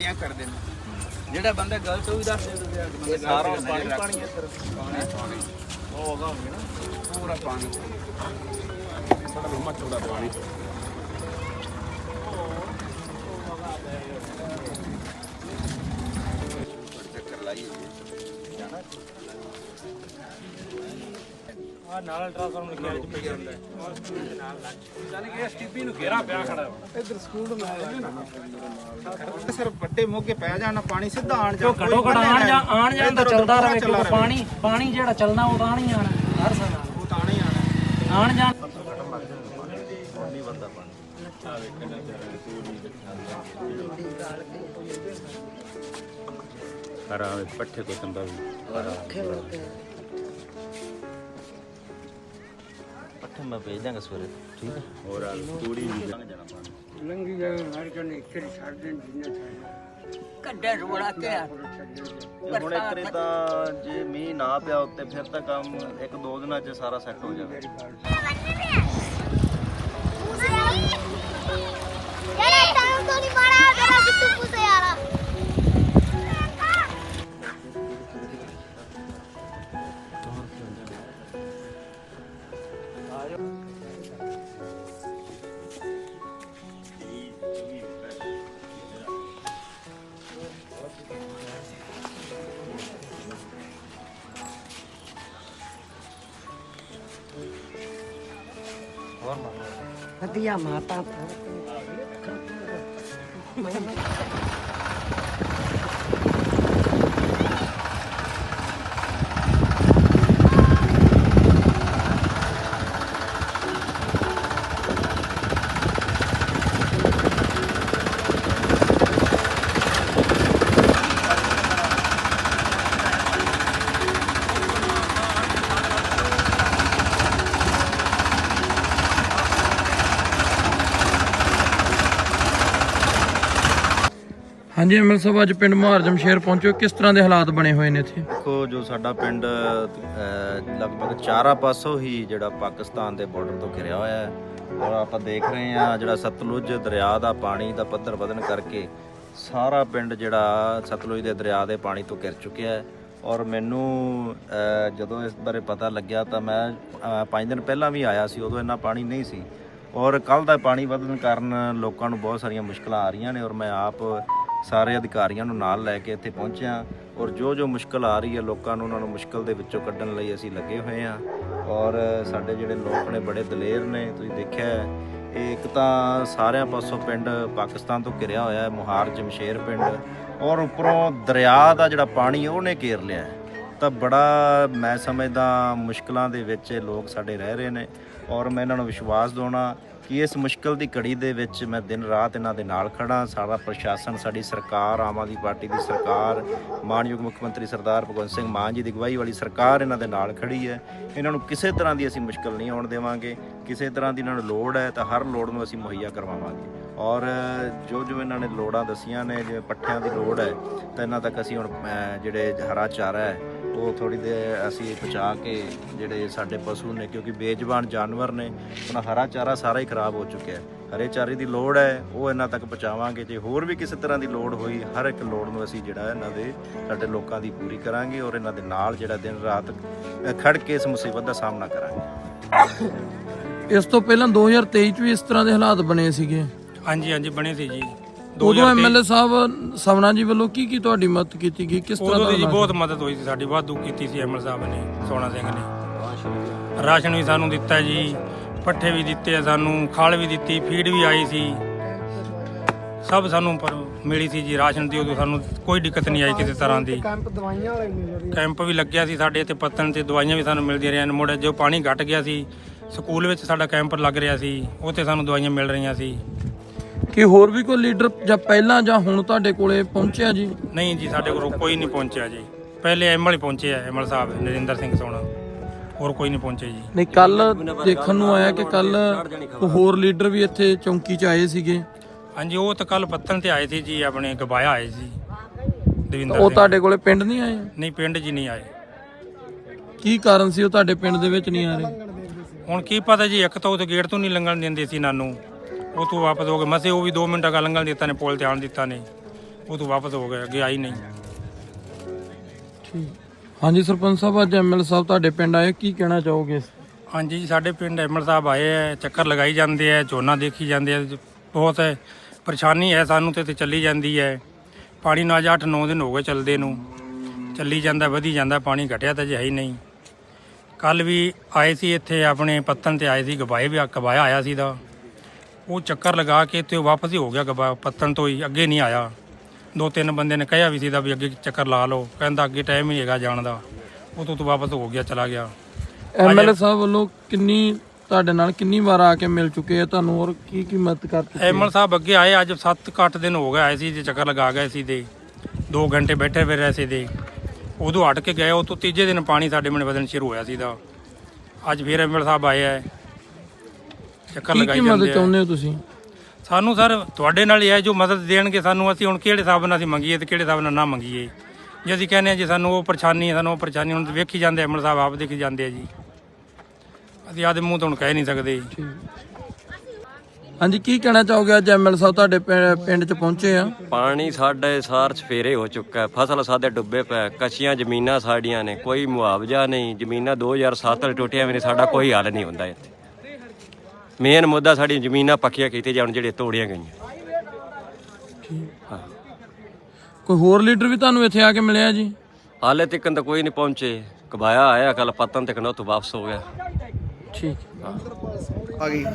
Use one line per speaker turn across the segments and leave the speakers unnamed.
Check कर देना ਜਿਹੜਾ ਬੰਦਾ ਗਲਤ ਉਹ ਵੀ ਦੱਸ ਦੇ ਸਾਰਾ ਪਾਣੀ ਪਾਣੀ ਹੈ ਸਰ ਪਾਣੀ ਉਹ ਹੋਗਾ ਹੋਣਗੇ ਨਾ ਪੂਰਾ ਪਾਣੀ ਬੜਾ ਲੰਮਾ ਚੌੜਾ ਪਾਣੀ ਚੱਕਰ ਲਾਈਏ ਜਾਣਾ ਆ ਨਾਲ ਅਲਟਰਾਸਾਊਂਡ ਲਿਖਿਆ ਜੀ ਪਈ ਜਾਂਦਾ ਨਾਲ ਜਾਨੀ ਕਿ ਸਟੀਪੀ ਨੂੰ ਘੇਰਾ ਪਿਆ ਖੜਾ ਇੱਧਰ ਸਕੂਲ ਨੂੰ ਆਇਆ ਸਰ ਵੱਡੇ ਮੋਗੇ ਪੈ ਜਾਣਾ ਪਾਣੀ ਸਿੱਧਾ ਆਣ ਜਾ
ਘਟੋ ਘਟ ਆਣ ਜਾਂਦਾ ਚੱਲਦਾ ਰਹੇ ਕਿਉਂਕਿ ਪਾਣੀ ਜਿਹੜਾ ਚੱਲਣਾ ਉਹ ਤਾਂ ਨਹੀਂ ਆਣਾ ਹਰ ਸਾਲ
ਉਹ ਤਾਂ ਨਹੀਂ ਆਣਾ
ਆਣ ਜਾ
ਨਹੀਂ ਬੰਦਾ ਪਾਣੀ ਆ ਵੇਖਣਾ ਹਰਾ ਪੱਠੇ ਕੋ ਤੰਬਾ ਵੀ मैं भेज देंगे सवेरे ठीक है और तूड़ी भी लंघ जाना पानी लंघी जाए हर जन एक ही छाड़ देन जिन्ना चाहिए ਕੱਢੇ ਰੋੜਾ ਕੇ ਹੁਣ ਇੱਕ ਰੇ ਤਾਂ ਜੇ ਮੀਂਹ ਨਾ ਪਿਆ ਉੱਤੇ ਫਿਰ ਤਾਂ ਕੰਮ ਇੱਕ ਦੋ ਦਿਨਾਂ 'ਚ ਸਾਰਾ ਸੈੱਟ ਹੋ ਜਾਵੇ
ਯਾਰ ਤਾਂ ਤੋਂ ਨਹੀਂ ਮਾਰਾ ਜਰਾ ਸਿੱਧੂ ਪੁੱਛ ਯਾਰ
ਵਧੀਆ ਮਾਤਾ
ਹਾਂਜੀ ਐਮਐਲ ਸਾਹਿਬ ਅੱਜ ਪਿੰਡ ਮੁਹਾਰਜਮ ਸ਼ੇਰ ਪਹੁੰਚੋ ਕਿਸ ਤਰ੍ਹਾਂ ਦੇ ਹਾਲਾਤ ਬਣੇ ਹੋਏ ਨੇ ਇੱਥੇ
ਦੇਖੋ ਜੋ ਸਾਡਾ ਪਿੰਡ ਲਗਭਗ ਚਾਰਾਂ ਪਾਸੋਂ ਹੀ ਜਿਹੜਾ ਪਾਕਿਸਤਾਨ ਦੇ ਬਾਰਡਰ ਤੋਂ ਘਿਰਿਆ ਹੋਇਆ ਹੈ ਔਰ ਆਪਾਂ ਦੇਖ ਰਹੇ ਹਾਂ ਜਿਹੜਾ ਸਤਲੁਜ ਦਰਿਆ ਦਾ ਪਾਣੀ ਦਾ ਪੱਧਰ ਵਧਣ ਕਰਕੇ ਸਾਰਾ ਪਿੰਡ ਜਿਹੜਾ ਸਤਲੁਜ ਦੇ ਦਰਿਆ ਦੇ ਪਾਣੀ ਤੋਂ ਘਿਰ ਚੁੱਕਿਆ ਹੈ ਔਰ ਮੈਨੂੰ ਜਦੋਂ ਇਸ ਬਾਰੇ ਪਤਾ ਲੱਗਿਆ ਤਾਂ ਮੈਂ 5 ਦਿਨ ਪਹਿਲਾਂ ਵੀ ਆਇਆ ਸੀ ਉਦੋਂ ਇੰਨਾ ਪਾਣੀ ਨਹੀਂ ਸੀ ਔਰ ਕੱਲ੍ਹ ਦਾ ਪਾਣੀ ਵਧਣ ਕਾਰਨ ਲੋਕਾਂ ਨੂੰ ਬਹੁਤ ਸਾਰੀਆਂ ਮੁਸ਼ਕਲਾਂ ਆ ਰਹੀਆਂ ਨੇ ਔਰ ਮੈਂ ਆਪ ਸਾਰੇ ਅਧਿਕਾਰੀਆਂ ਨੂੰ ਨਾਲ ਲੈ ਕੇ ਇੱਥੇ ਪਹੁੰਚਿਆ ਔਰ ਜੋ ਮੁਸ਼ਕਲ ਆ ਰਹੀ ਹੈ ਲੋਕਾਂ ਨੂੰ ਉਹਨਾਂ ਨੂੰ ਮੁਸ਼ਕਲ ਦੇ ਵਿੱਚੋਂ ਕੱਢਣ ਲਈ ਅਸੀਂ ਲੱਗੇ ਹੋਏ ਹਾਂ ਔਰ ਸਾਡੇ ਜਿਹੜੇ ਲੋਕ ਨੇ ਬੜੇ ਦਲੇਰ ਨੇ ਤੁਸੀਂ ਦੇਖਿਆ ਇਹ ਇੱਕ ਤਾਂ ਸਾਰਿਆਂ ਪਾਸੋਂ ਪਿੰਡ ਪਾਕਿਸਤਾਨ ਤੋਂ ਘਿਰਿਆ ਹੋਇਆ ਹੈ ਮੁਹਾਰ ਜਮਸ਼ੇਰ ਪਿੰਡ ਔਰ ਉੱਪਰੋਂ ਦਰਿਆ ਦਾ ਜਿਹੜਾ ਪਾਣੀ ਉਹਨੇ ਘੇਰ ਲਿਆ ਤਾਂ ਬੜਾ ਮੈਂ ਸਮਝਦਾ ਮੁਸ਼ਕਲਾਂ ਦੇ ਵਿੱਚ ਲੋਕ ਸਾਡੇ ਰਹਿ ਰਹੇ ਨੇ ਔਰ ਮੈਂ ਇਹਨਾਂ ਨੂੰ ਵਿਸ਼ਵਾਸ ਦਿਵਾਉਣਾ ਕਿ ਇਸ ਮੁਸ਼ਕਲ ਦੀ ਘੜੀ ਦੇ ਵਿੱਚ ਮੈਂ ਦਿਨ ਰਾਤ ਇਹਨਾਂ ਦੇ ਨਾਲ ਖੜਾ ਸਾਰਾ ਪ੍ਰਸ਼ਾਸਨ ਸਾਡੀ ਸਰਕਾਰ ਆਮ ਆਦਮੀ ਪਾਰਟੀ ਦੀ ਸਰਕਾਰ ਮਾਨਯੋਗ ਮੁੱਖ ਮੰਤਰੀ ਸਰਦਾਰ ਭਗਵੰਤ ਸਿੰਘ ਮਾਨ ਜੀ ਦੀ ਅਗਵਾਈ ਵਾਲੀ ਸਰਕਾਰ ਇਹਨਾਂ ਦੇ ਨਾਲ ਖੜੀ ਹੈ ਇਹਨਾਂ ਨੂੰ ਕਿਸੇ ਤਰ੍ਹਾਂ ਦੀ ਅਸੀਂ ਮੁਸ਼ਕਲ ਨਹੀਂ ਆਉਣ ਦੇਵਾਂਗੇ ਕਿਸੇ ਤਰ੍ਹਾਂ ਦੀ ਇਹਨਾਂ ਨੂੰ ਲੋੜ ਹੈ ਤਾਂ ਹਰ ਲੋੜ ਨੂੰ ਅਸੀਂ ਮੁਹੱਈਆ ਕਰਵਾਵਾਂਗੇ ਔਰ ਜੋ ਇਹਨਾਂ ਨੇ ਲੋੜਾਂ ਦੱਸੀਆਂ ਨੇ ਜਿਵੇਂ ਪੱਠਿਆਂ ਦੀ ਲੋੜ ਹੈ ਤਾਂ ਇਹਨਾਂ ਤੱਕ ਅਸੀਂ ਹੁਣ ਜਿਹੜੇ ਹਰਾ ਚਾਰਾ ਹੈ ਉਹ ਥੋੜ੍ਹੀ ਦੇਰ ਅਸੀਂ ਪਹੁੰਚਾ ਕੇ ਜਿਹੜੇ ਸਾਡੇ ਪਸ਼ੂ ਨੇ ਕਿਉਂਕਿ ਬੇਜ਼ੁਬਾਨ ਜਾਨਵਰ ਨੇ ਉਹਨਾਂ ਹਰਾ ਚਾਰਾ ਸਾਰਾ ਹੀ ਖਰਾਬ ਹੋ ਚੁੱਕਿਆ ਹਰੇ ਚਾਰੇ ਦੀ ਲੋੜ ਹੈ ਉਹ ਇਹਨਾਂ ਤੱਕ ਪਹੁੰਚਾਵਾਂਗੇ ਜੇ ਹੋਰ ਵੀ ਕਿਸੇ ਤਰ੍ਹਾਂ ਦੀ ਲੋੜ ਹੋਈ ਹਰ ਇੱਕ ਲੋੜ ਨੂੰ ਅਸੀਂ ਜਿਹੜਾ ਇਹਨਾਂ ਦੇ ਸਾਡੇ ਲੋਕਾਂ ਦੀ ਪੂਰੀ ਕਰਾਂਗੇ ਔਰ ਇਹਨਾਂ ਦੇ ਨਾਲ ਜਿਹੜਾ ਦਿਨ ਰਾਤ ਖੜ ਕੇ ਇਸ ਮੁਸੀਬਤ ਦਾ ਸਾਹਮਣਾ ਕਰਾਂਗੇ
ਇਸ ਤੋਂ ਪਹਿਲਾਂ 2023 ਚ ਵੀ ਇਸ ਤਰ੍ਹਾਂ ਦੇ ਹਾਲਾਤ ਬਣੇ ਸੀਗੇ
ਹਾਂਜੀ ਬਣੇ ਸੀ ਜੀ
ਉਦੋਂ ਐਮਐਲਏ ਸਾਹਿਬ ਸਵਨਾ ਜੀ ਵੱਲੋਂ ਕੀ ਤੁਹਾਡੀ ਮਦਦ ਕੀਤੀ ਗਈ ਕਿਸ ਤਰ੍ਹਾਂ
ਦੀ ਬਹੁਤ ਮਦਦ ਹੋਈ ਸੀ ਸਾਡੀ ਵਾਧੂ ਕੀਤੀ ਸੀ ਐਮਐਲ ਸਾਹਿਬ ਨੇ ਸੋਹਣਾ ਸਿੰਘ ਨੇ ਰਾਸ਼ਨ ਵੀ ਸਾਨੂੰ ਦਿੱਤਾ ਜੀ ਪੱਠੇ ਵੀ ਦਿੱਤੇ ਆ ਸਾਨੂੰ ਖਲ ਵੀ ਦਿੱਤੀ ਫੀਡ ਵੀ ਆਈ ਸੀ ਸਭ ਸਾਨੂੰ ਪਰ ਮਿਲੀ ਸੀ ਜੀ ਰਾਸ਼ਨ ਦੀ ਉਦੋਂ ਸਾਨੂੰ ਕੋਈ ਦਿੱਕਤ ਨਹੀਂ ਆਈ ਕਿਸੇ ਤਰ੍ਹਾਂ ਦੀ ਕੈਂਪ ਵੀ ਲੱਗਿਆ ਸੀ ਸਾਡੇ ਇੱਥੇ ਪੱਤਣ ਤੇ ਦਵਾਈਆਂ ਵੀ ਸਾਨੂੰ ਮਿਲਦੀਆਂ ਰਹੀਆਂ ਮੁੜ ਜੋ ਪਾਣੀ ਘਟ ਗਿਆ ਸੀ ਸਕੂਲ ਵਿੱਚ ਸਾਡਾ ਕੈਂਪ ਲੱਗ ਰਿਹਾ ਸੀ ਉੱਥੇ ਸਾਨੂੰ ਦਵਾਈਆਂ ਮਿਲ ਰਹੀਆਂ ਸੀ
ਕਿ ਹੋਰ ਵੀ ਕੋਈ ਲੀਡਰ ਜਾਂ ਪਹਿਲਾਂ ਜਾਂ ਹੁਣ ਤੁਹਾਡੇ ਕੋਲੇ ਪਹੁੰਚਿਆ ਜੀ
ਨਹੀਂ ਜੀ ਸਾਡੇ ਕੋਲ ਕੋਈ ਨਹੀਂ ਪਹੁੰਚਿਆ ਜੀ ਪਹਿਲੇ ਐਮਐਲ ਹੀ ਪਹੁੰਚੇ ਆ ਐਮਐਲ ਸਾਹਿਬ ਨਰਿੰਦਰ ਸਿੰਘ ਸੋਣਾ ਹੋਰ ਕੋਈ ਨਹੀਂ ਪਹੁੰਚੇ ਜੀ
ਨਹੀਂ ਕੱਲ ਦੇਖਣ ਨੂੰ ਆਇਆ ਕਿ ਕੱਲ ਹੋਰ ਲੀਡਰ ਵੀ ਇੱਥੇ ਚੌਂਕੀ 'ਚ ਆਏ ਸੀਗੇ
ਹਾਂਜੀ ਉਹ ਤਾਂ ਕੱਲ ਪੱਤਨ ਤੇ ਆਏ ਸੀ ਜੀ ਆਪਣੇ ਗਵਾਇਆ ਆਏ ਸੀ ਦਵਿੰਦਰ
ਉਹ ਤੁਹਾਡੇ ਕੋਲੇ ਪਿੰਡ ਨਹੀਂ ਆਏ
ਨਹੀਂ ਪਿੰਡ ਜੀ ਨਹੀਂ ਆਏ
ਕੀ ਕਾਰਨ ਸੀ ਉਹ ਤੁਹਾਡੇ ਪਿੰਡ ਦੇ ਵਿੱਚ ਨਹੀਂ ਆ ਰਹੇ
ਹੁਣ ਕੀ ਪਤਾ ਜੀ ਇੱਕ ਤਾਂ ਉਹ ਗੇਟ ਤੋਂ ਨਹੀਂ ਲੰਘਣ ਦਿੰਦੇ ਸੀ ਨਾਨੂੰ ਉਹ ਤੋਂ ਵਾਪਸ ਹੋ ਗਏ ਮਸੇ ਉਹ ਵੀ 2 ਮਿੰਟਾਂ ਦਾ ਲੰਘਣ ਦਿੱਤਾ ਨੇ ਪੁਲ ਤੇ ਆਣ ਦਿੱਤਾ ਨੇ ਉਹ ਤੋਂ ਵਾਪਸ ਹੋ ਗਏ, ਅੱਗੇ ਆਈ ਨਹੀਂ।
ਠੀਕ। ਹਾਂਜੀ ਸਰਪੰਚ ਸਾਹਿਬ, ਅੱਜ ਐਮਐਲ ਸਾਹਿਬ ਤੁਹਾਡੇ ਪਿੰਡ ਆਏ, ਕੀ ਕਹਿਣਾ ਚਾਹੋਗੇ?
ਹਾਂਜੀ ਜੀ, ਸਾਡੇ ਪਿੰਡ ਐਮਐਲ ਸਾਹਿਬ ਆਏ ਹੈ, ਚੱਕਰ ਲਗਾਈ ਜਾਂਦੇ ਹੈ, ਝੋਨਾ ਦੇਖੀ ਜਾਂਦੇ ਹੈ। ਬਹੁਤ ਪਰੇਸ਼ਾਨੀ ਹੈ ਸਾਨੂੰ ਤੇ ਚੱਲੀ ਜਾਂਦੀ ਹੈ। ਪਾਣੀ ਨੂੰ ਅੱਜ 8-9 ਦਿਨ ਹੋ ਗਏ ਚੱਲਦੇ ਨੂੰ, ਚੱਲੀ ਜਾਂਦਾ, ਵਧੀ ਜਾਂਦਾ ਪਾਣੀ, ਘਟਿਆ ਤਾਂ ਜੇ ਹੈ ਹੀ ਨਹੀਂ। ਕੱਲ ਵੀ ਆਏ ਸੀ ਇੱਥੇ ਆਪਣੇ ਪੱਤਨ ਤੇ ਆਏ ਸੀ, ਗਵਾਇਆ ਆਇਆ ਸੀ ਦਾ, ਉਹ ਚੱਕਰ ਲਗਾ ਕੇ ਤੇ ਵਾਪਸ ਹੀ ਹੋ ਗਿਆ ਪੱਤਨ ਤੋਂ ਹੀ, ਅੱਗੇ ਨਹੀਂ ਆਇਆ। 2-3 ਬੰਦੇ ਨੇ ਕਿਹਾ ਵੀ ਸੀ ਦਾ ਵੀ ਅੱਗੇ ਚੱਕਰ ਲਾ ਲਓ, ਕਹਿੰਦਾ ਅੱਗੇ ਟਾਈਮ ਹੀ ਹੈਗਾ ਜਾਣ ਦਾ, ਉਹ ਤੋਂ ਵਾਪਸ ਹੋ ਗਿਆ, ਚਲਾ ਗਿਆ।
ਐਮਐਲਏ ਸਾਹਿਬ ਵੱਲੋਂ ਤੁਹਾਡੇ ਨਾਲ ਕਿੰਨੀ ਵਾਰ ਆ ਕੇ ਮਿਲ ਚੁੱਕੇ ਆ ਤੁਹਾਨੂੰ, ਔਰ ਕੀ ਮਦਦ ਕਰਤੀ?
ਐਮਐਲ ਸਾਹਿਬ ਅੱਗੇ ਆਏ, ਅੱਜ 7-8 ਦਿਨ ਹੋ ਗਏ ਆਏ ਸੀ, ਜੇ ਚੱਕਰ ਲਗਾ ਗਏ ਸੀ ਤੇ 2 ਘੰਟੇ ਬੈਠੇ ਫਿਰ ਰਹੇ ਸੀ ਤੇ ਉਦੋਂ ਹਟ ਕੇ ਗਏ। ਉਹ ਤੋਂ ਤੀਜੇ ਦਿਨ ਪਾਣੀ ਸਾਡੇ ਮਨ ਵਧਣ ਸ਼ੁਰੂ ਹੋਇਆ ਸੀ ਦਾ। ਅੱਜ ਫਿਰ ਐਮਐਲ ਸਾਹਿਬ ਆਏ ਹੈ, ਚੱਕਰ ਲਗਾਈ ਜਾਂਦੇ।
ਮਦਦ ਚਾਹੁੰਦੇ ਹੋ ਤੁਸੀਂ
ਸਾਨੂੰ? ਸਰ ਤੁਹਾਡੇ ਨਾਲ ਹੀ ਹੈ, ਜੋ ਮਦਦ ਦੇਣਗੇ ਸਾਨੂੰ। ਅਸੀਂ ਹੁਣ ਕਿਹੜੇ ਹਿਸਾਬ ਨਾਲ ਅਸੀਂ ਮੰਗੀਏ ਤੇ ਕਿਹੜੇ ਹਿਸਾਬ ਨਾਲ ਨਾ ਮੰਗੀਏ? ਜੇ ਅਸੀਂ ਕਹਿੰਦੇ ਹਾਂ ਜੀ ਸਾਨੂੰ ਉਹ ਪਰੇਸ਼ਾਨੀ ਹੈ, ਸਾਨੂੰ ਉਹ ਪਰੇਸ਼ਾਨੀ, ਹੁਣ ਵੇਖੀ ਜਾਂਦੇ ਐਮਐਲ ਸਾਹਿਬ ਆਪ ਦੇਖੀ ਜਾਂਦੇ ਆ ਜੀ, ਅਸੀਂ ਆਦੇ ਮੂੰਹ ਤੋਂ ਹੁਣ ਕਹਿ ਨਹੀਂ ਸਕਦੇ।
ਹਾਂਜੀ, ਕੀ ਕਹਿਣਾ ਚਾਹੋਗੇ? ਅੱਜ ਐਮਐਲ ਸਾਹਿਬ ਤੁਹਾਡੇ ਪਿੰਡ 'ਚ ਪਹੁੰਚੇ ਆ।
ਪਾਣੀ ਸਾਡੇ ਸਾਰ ਸਫੇਰੇ ਹੋ ਚੁੱਕਾ ਹੈ, ਫਸਲ ਸਾਡੇ ਡੁੱਬੇ ਪਏ, ਕੱਚੀਆਂ ਜ਼ਮੀਨਾਂ ਸਾਡੀਆਂ ਨੇ, ਕੋਈ ਮੁਆਵਜ਼ਾ ਨਹੀਂ। ਜ਼ਮੀਨਾਂ 2007 ਵਾਲੀ ਟੁੱਟੀਆਂ ਵੀ ਨੇ, ਸਾਡਾ ਕੋਈ ਹੱਲ ਨਹੀਂ ਹੁੰਦਾ ਇੱਥੇ। ਮੇਨ ਮੁੱਦਾ ਸਾਡੀਆਂ ਜ਼ਮੀਨਾਂ ਪੱਕੀਆਂ ਕੀਤੀਆਂ ਜਾਣ, ਜਿਹੜੀਆਂ ਤੋੜੀਆਂ ਗਈਆਂ। ਹਾਂ,
ਕੋਈ ਹੋਰ ਲੀਡਰ ਵੀ ਤੁਹਾਨੂੰ ਇੱਥੇ ਆ ਕੇ ਮਿਲਿਆ ਜੀ?
ਹਾਲੇ ਤੱਕ ਤਾਂ ਕੋਈ ਨਹੀਂ ਪਹੁੰਚੇ। ਕਬਾਇਆ ਆਇਆ ਕੱਲ ਪਤਨ ਤੱਕ, ਨਾ ਉੱਥੋਂ ਵਾਪਸ ਹੋ ਗਿਆ।
ਠੀਕ।
ਆ ਗਈ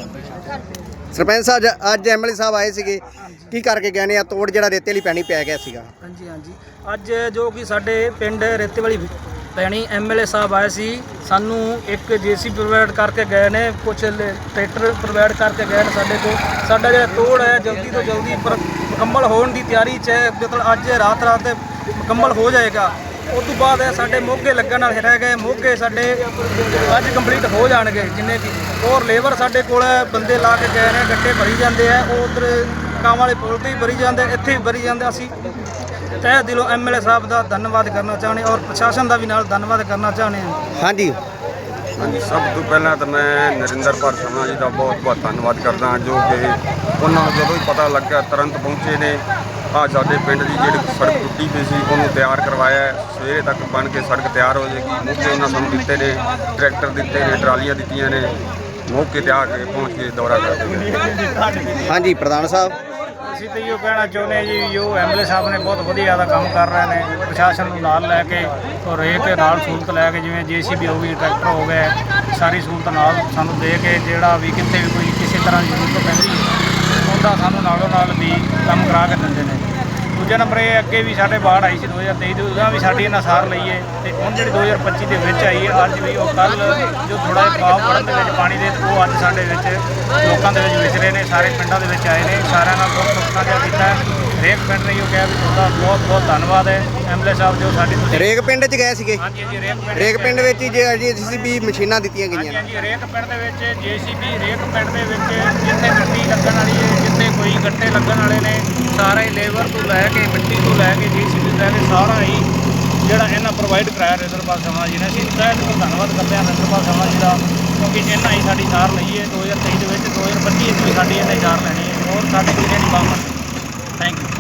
ਸਰਪੰਚ ਸਾਹਿਬ, ਅੱਜ ਐਮਐਲਏ ਸਾਹਿਬ ਆਏ ਸੀਗੇ, ਕੀ ਕਰਕੇ ਗਏ ਨੇ? ਆ ਤੋੜ ਜਿਹੜਾ ਰੇਤੇ ਵਾਲੀ ਪੈਣੀ ਪੈ ਗਿਆ ਸੀਗਾ।
ਹਾਂਜੀ, ਅੱਜ ਜੋ ਕਿ ਸਾਡੇ ਪਿੰਡ ਰੇਤੇ ਵਾਲੀ ਪੈਣੀ ਐਮਐਲਏ ਸਾਹਿਬ ਆਏ ਸੀ, ਸਾਨੂੰ ਇੱਕ ਜੇਸੀ ਪ੍ਰੋਵਾਈਡ ਕਰਕੇ ਗਏ ਨੇ, ਕੁਝ ਟਰੈਕਟਰ ਪ੍ਰੋਵਾਈਡ ਕਰਕੇ ਗਏ ਨੇ ਸਾਡੇ ਕੋਲ। ਸਾਡਾ ਜਿਹੜਾ ਤੋੜ ਹੈ ਜਲਦੀ ਤੋਂ ਜਲਦੀ ਮੁਕੰਮਲ ਹੋਣ ਦੀ ਤਿਆਰੀ 'ਚ ਹੈ, ਮਤਲਬ ਅੱਜ ਰਾਤ ਤੇ ਮੁਕੰਮਲ ਹੋ ਜਾਏਗਾ। ਉਸ ਤੋਂ ਬਾਅਦ ਸਾਡੇ ਮੋਗੇ ਲੱਗਣ ਵਾਲੇ ਰਹਿ ਗਏ, ਮੋਗੇ ਸਾਡੇ ਅੱਜ ਕੰਪਲੀਟ ਹੋ ਜਾਣਗੇ ਜਿੰਨੇ ਵੀ। ਹੋਰ ਲੇਬਰ ਸਾਡੇ ਕੋਲ ਬੰਦੇ ਲਾ ਕੇ ਗਏ ਨੇ, ਗੱਟੇ ਭਰੀ ਜਾਂਦੇ ਆ, ਉਹ ਉੱਧਰ ਕਾਂ ਵਾਲੇ ਪੁਲ 'ਤੇ ਵੀ ਭਰੀ ਜਾਂਦੇ, ਇੱਥੇ ਵੀ ਭਰੀ ਜਾਂਦੇ। ਅਸੀਂ ਤਹਿ ਦਿਲੋਂ ਐਮਐਲਏ ਸਾਹਿਬ ਦਾ ਧੰਨਵਾਦ ਕਰਨਾ ਚਾਹੁੰਦੇ ਔਰ ਪ੍ਰਸ਼ਾਸਨ ਦਾ ਵੀ ਨਾਲ ਧੰਨਵਾਦ ਕਰਨਾ ਚਾਹੁੰਦੇ ਹਾਂ।
ਹਾਂਜੀ
ਸਭ ਤੋਂ ਪਹਿਲਾਂ ਤਾਂ ਮੈਂ ਨਰਿੰਦਰਪਾਲ ਸ਼ਰਮਾ ਜੀ ਦਾ ਬਹੁਤ ਬਹੁਤ ਧੰਨਵਾਦ ਕਰਦਾ ਹਾਂ, ਜੋ ਕਿ ਉਹਨਾਂ ਨੂੰ ਜਦੋਂ ਹੀ ਪਤਾ ਲੱਗਾ ਤੁਰੰਤ ਪਹੁੰਚੇ ਨੇ। ਆ ਸਾਡੇ ਪਿੰਡ ਦੀ ਜਿਹੜੀ ਸੜਕ ਟੁੱਟੀ ਪਈ ਸੀ, ਉਹਨੂੰ ਤਿਆਰ ਕਰਵਾਇਆ। ਸਵੇਰੇ ਤੱਕ ਬਣ ਕੇ ਸੜਕ ਤਿਆਰ ਹੋ ਜਾਏਗੀ। ਮੌਕੇ ਉਹਨਾਂ ਸਾਨੂੰ ਦਿੱਤੇ ਨੇ, ਟਰੈਕਟਰ ਦਿੱਤੇ ਨੇ, ਟਰਾਲੀਆਂ ਦਿੱਤੀਆਂ ਨੇ, ਮੌਕੇ ਤੇ ਆ ਕੇ ਪਹੁੰਚ ਕੇ ਦੌਰਾ ਕਰਦੇ।
ਹਾਂਜੀ ਪ੍ਰਧਾਨ ਸਾਹਿਬ,
ਅਸੀਂ ਤਾਂ ਇਹੋ ਕਹਿਣਾ ਚਾਹੁੰਦੇ ਹਾਂ ਜੀ, ਜੋ ਐਮਐਲਏ ਸਾਹਿਬ ਨੇ ਬਹੁਤ ਵਧੀਆ ਦਾ ਕੰਮ ਕਰ ਰਹੇ ਨੇ, ਪ੍ਰਸ਼ਾਸਨ ਨੂੰ ਨਾਲ ਲੈ ਕੇ ਔਰ ਰੇਤ ਨਾਲ ਸਹੂਲਤ ਲੈ ਕੇ, ਜਿਵੇਂ ਜੇਸੀਬੀ ਹੋ ਗਈ, ਟਰੈਕਟਰ ਹੋ ਗਏ, ਸਾਰੀ ਸਹੂਲਤ ਨਾਲ ਸਾਨੂੰ ਦੇ ਕੇ, ਜਿਹੜਾ ਵੀ ਕਿਤੇ ਵੀ ਕੋਈ ਕਿਸੇ ਤਰ੍ਹਾਂ ਦੀ ਜ਼ਰੂਰਤ ਪੈਂਦੀ ਹੈ ਉਹਦਾ ਸਾਨੂੰ ਨਾਲੋਂ ਨਾਲ ਵੀ ਕੰਮ ਕਰਾ ਕੇ ਦਿੰਦੇ ਨੇ। ਦੂਜਾ ਨੰਬਰ ਇਹ, ਅੱਗੇ ਵੀ ਸਾਡੇ ਬਾੜ ਆਈ ਸੀ 2023 ਦੀ, ਉਹਦਾ ਵੀ ਸਾਡੀ ਇਹਨਾਂ ਸਾਰ ਲਈ ਹੈ। ਤੇ ਹੁਣ ਜਿਹੜੀ 2025 ਦੇ ਵਿੱਚ ਆਈ ਹੈ, ਅੱਜ ਵੀ ਉਹ ਕੱਲ ਜੋ ਥੋੜ੍ਹਾ ਜਿਹਾ ਭਾਵ ਵੜਨ ਦੇ ਵਿੱਚ ਪਾਣੀ ਦੇ, ਉਹ ਅੱਜ ਸਾਡੇ ਵਿੱਚ ਲੋਕਾਂ ਦੇ ਵਿੱਚ ਵਿਚਰੇ ਨੇ, ਸਾਰੇ ਪਿੰਡਾਂ ਦੇ ਵਿੱਚ ਆਏ ਨੇ, ਸਾਰਿਆਂ ਨਾਲ ਬਹੁਤ ਸੁੱਖਾ ਜਿਹਾ ਕੀਤਾ। ਹਰੇਕ ਪਿੰਡ ਨੇ ਉਹ ਕਿਹਾ ਵੀ ਤੁਹਾਡਾ ਬਹੁਤ ਬਹੁਤ ਧੰਨਵਾਦ ਹੈ ਐਮਐਲਏ ਸਾਹਿਬ, ਜੋ ਸਾਡੀ ਤੁਸੀਂ
ਰੇਗ ਪਿੰਡ 'ਚ ਗਏ ਸੀਗੇ।
ਹਾਂਜੀ,
ਰੇਗ ਪਿੰਡ ਵਿੱਚ ਜੇਸੀਬੀ ਮਸ਼ੀਨਾਂ ਦਿੱਤੀਆਂ ਗਈਆਂ ਨੇ।
ਹਾਂਜੀ, ਰੇਕ ਪਿੰਡ ਦੇ ਵਿੱਚ ਜੇਸੀਬੀ, ਰੇਕ ਪਿੰਡ ਦੇ ਵਿੱਚ ਜਿੱਥੇ ਮਿੱਟੀ ਲੱਗਣ ਵਾਲੀ ਹੈ, ਜਿੱਥੇ ਕੋਈ ਗੱਟੇ ਲੱਗਣ ਵਾਲੇ ਨੇ, ਸਾਰਾ ਹੀ ਲੇਬਰ ਤੋਂ ਲੈ ਕੇ ਮਿੱਟੀ ਤੋਂ ਲੈ ਕੇ ਜੇਸੀਬੀ ਲੈ ਕੇ ਸਾਰਾ ਹੀ ਜਿਹੜਾ ਇਹਨਾਂ ਪ੍ਰੋਵਾਈਡ ਕਰਾਇਆ ਨਰਿੰਦਰਪਾਲ ਸ਼ਰਮਾ ਜੀ ਨੇ। ਅਸੀਂ ਤਹਿ ਦਿਲੋਂ ਧੰਨਵਾਦ ਕਰਦੇ ਹਾਂ ਨਰਿੰਦਰਪਾਲ ਸ਼ਰਮਾ ਜੀ ਦਾ, ਕਿਉਂਕਿ ਇਹਨਾਂ ਹੀ ਸਾਡੀ ਸਾਰ ਲਈ ਹੈ 2023 ਦੇ ਵਿੱਚ। 2025 ਵਿੱਚ ਵੀ ਸਾਡੀ ਇਹਨੇ ਸਾਰ ਲੈਣੀ ਹੈ, ਔਰ ਸਾਡੀ ਕਿਸੇ ਦੀ ਬਾਤ ਨਹੀਂ। Thank you.